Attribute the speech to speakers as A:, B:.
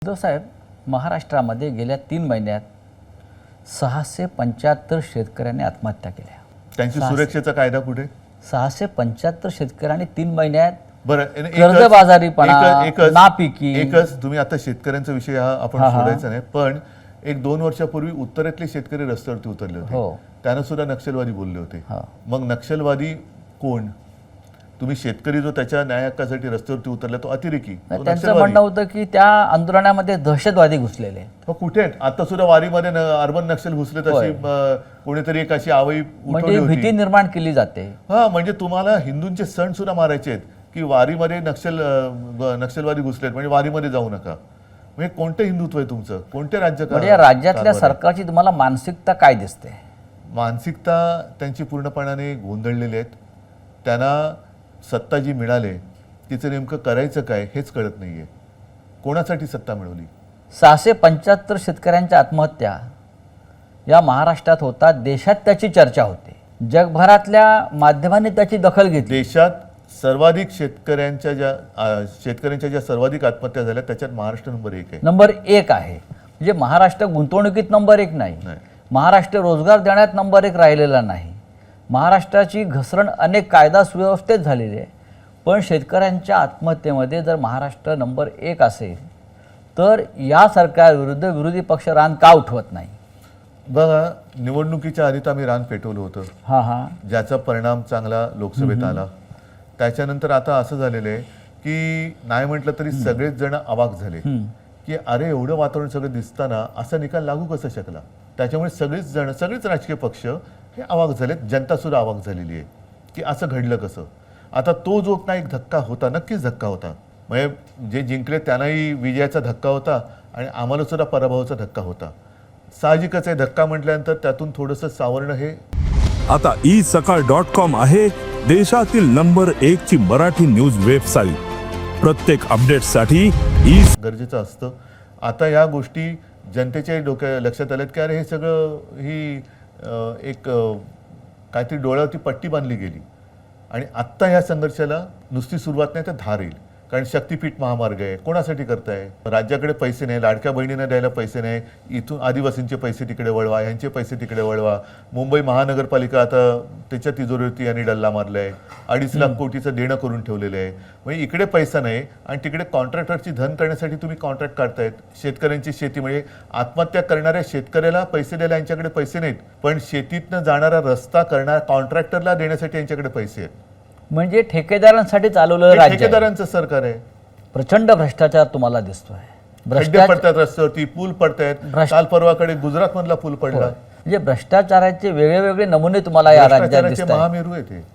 A: उद्धव साहेब, महाराष्ट्रामध्ये गेल्या 3 महिन्यात 675 शेतकऱ्यांनी आत्महत्या केल्या।
B: त्यांची सुरक्षेचा कायदा कुठे?
A: 675 शेतकऱ्यांनी 3 महिन्यात
C: बरं,
A: कर्जबाजारीपणा, नापिकी,
C: एकच तुम्ही आता शेतकऱ्यांचा विषय हा आपण सोडायचा नाही, पण 1-2 वर्षापूर्वी उत्तरेतले शेतकरी रस्त्यावरती उतरले होते, त्यांना सुद्धा नक्षलवादी बोलले होते। मग नक्षलवादी कोण? तुम्ही शेतकरी जो त्याच्या न्याय हक्कासाठी रस्त्यावरती उतरला तो अतिरेकी।
A: त्यांचं म्हणणं होतं की त्या आंदोलनामध्ये दहशतवादी घुसलेले।
C: कुठे आता सुद्धा वारीमध्ये अर्बन नक्षल घुसले, तशी कोणीतरी एक अशी आवई उठवली होती,
A: भीती निर्माण केली जाते।
C: म्हणजे तुम्हाला हिंदूंचे सण सुद्धा मारायचे आहेत की वारीमध्ये नक्षलवादी घुसलेत म्हणजे वारीमध्ये जाऊ नका। म्हणजे कोणते हिंदुत्व आहे तुमचं? कोणते राज्य?
A: म्हणजे या राज्यातल्या सरकारची तुम्हाला मानसिकता काय दिसते?
C: मानसिकता त्यांची पूर्णपणाने गोंधळलेली आहेत। त्यांना सत्ता जी मिळाली तिचं नेमकं करायचं काय हेच कळत नाहीये। कोणासाठी सत्ता मिळवली?
A: 675 शेतकऱ्यांच्या आत्महत्या या महाराष्ट्रात होतात, देशात त्याची चर्चा होते, जगभरातल्या माध्यमांनी त्याची दखल घेतली।
C: देशात सर्वाधिक शेतकऱ्यांच्या ज्या सर्वाधिक आत्महत्या झाल्या त्याच्यात महाराष्ट्र नंबर 1 आहे।
A: नंबर 1 आहे। म्हणजे महाराष्ट्र गुंतवणुकीत नंबर 1 नाही, महाराष्ट्र रोजगार देण्यात नंबर 1 राहिलेला नाही। महाराष्ट्राची घसरण अनेक कायदा सुव्यवस्थेत झालेली आहे, पण शेतकऱ्यांच्या आत्महत्येमध्ये जर महाराष्ट्र नंबर 1 असेल तर या सरकारविरुद्ध विरोधी पक्ष रान का उठवत नाही?
C: बघा, निवडणुकीच्या आधी तर आम्ही रान पेटवलं होतं, ज्याचा परिणाम चांगला लोकसभेत आला। त्याच्यानंतर आता असं झालेलं आहे की नाही म्हटलं तरी सगळेच जण अवाक झाले की अरे एवढं वातावरण सगळं दिसताना असा निकाल लागू कसा शकला। त्याच्यामुळे सगळेच राजकीय पक्ष हे अवाक झालेत, जनता सुद्धा अवाक झालेली आहे की असं घडलं कसं। आता तो जो ना एक धक्का होता, नक्कीच धक्का होता, म्हणजे जे जिंकले त्यांनाही विजयाचा धक्का होता आणि आम्हाला सुद्धा पराभवाचा धक्का होता। साहजिकच आहे, धक्का म्हटल्यानंतर त्यातून थोडंसं सावरणं हे
D: आता isakal.com आहे देशातील नंबर 1 ची मराठी न्यूज वेबसाईट। प्रत्येक अपडेटसाठी
C: गरजेचं असतं। आता या गोष्टी जनतेच्या डोक्या लक्षात आल्यात की अरे हे सगळं ही एक काहीतरी डोळ्यावरती पट्टी बांधली गेली आणि आत्ता ह्या संघर्षाला नुसती सुरुवात नाही तर धार येईल। कारण शक्तीपीठ महामार्ग आहे, कोणासाठी करताय? राज्याकडे पैसे नाही, लाडक्या बहिणींना द्यायला पैसे नाही, इथून आदिवासींचे पैसे तिकडे वळवा, ह्यांचे पैसे तिकडे वळवा। मुंबई महानगरपालिका आता त्याच्या तिजोरीवरती यांनी डल्ला मारलाय, 2.5 लाख कोटीचं देणं करून ठेवलेलं आहे। म्हणजे इकडे पैसा नाही आणि तिकडे कॉन्ट्रॅक्टरची धन करण्यासाठी तुम्ही कॉन्ट्रॅक्ट काढतायत। शेतकऱ्यांची शेती म्हणजे आत्महत्या करणाऱ्या शेतकऱ्याला पैसे द्यायला यांच्याकडे पैसे नाहीत, पण शेतीतनं जाणारा रस्ता करणाऱ्या कॉन्ट्रॅक्टरला देण्यासाठी यांच्याकडे पैसे आहेत।
A: म्हणजे ठेकेदारांसाठी चालवलेलं राज्य,
C: ठेकेदारांचं सरकार आहे।
A: प्रचंड भ्रष्टाचार तुम्हाला दिसतोय।
C: खड्डे पडतात रस्त्यावरती, पूल पडतायत। काल परवाकडे गुजरात मधला पूल पडला।
A: म्हणजे भ्रष्टाचाराचे वेगळे नमुने तुम्हाला या राज्यात दिसतात।
C: महामेरू आहे ते।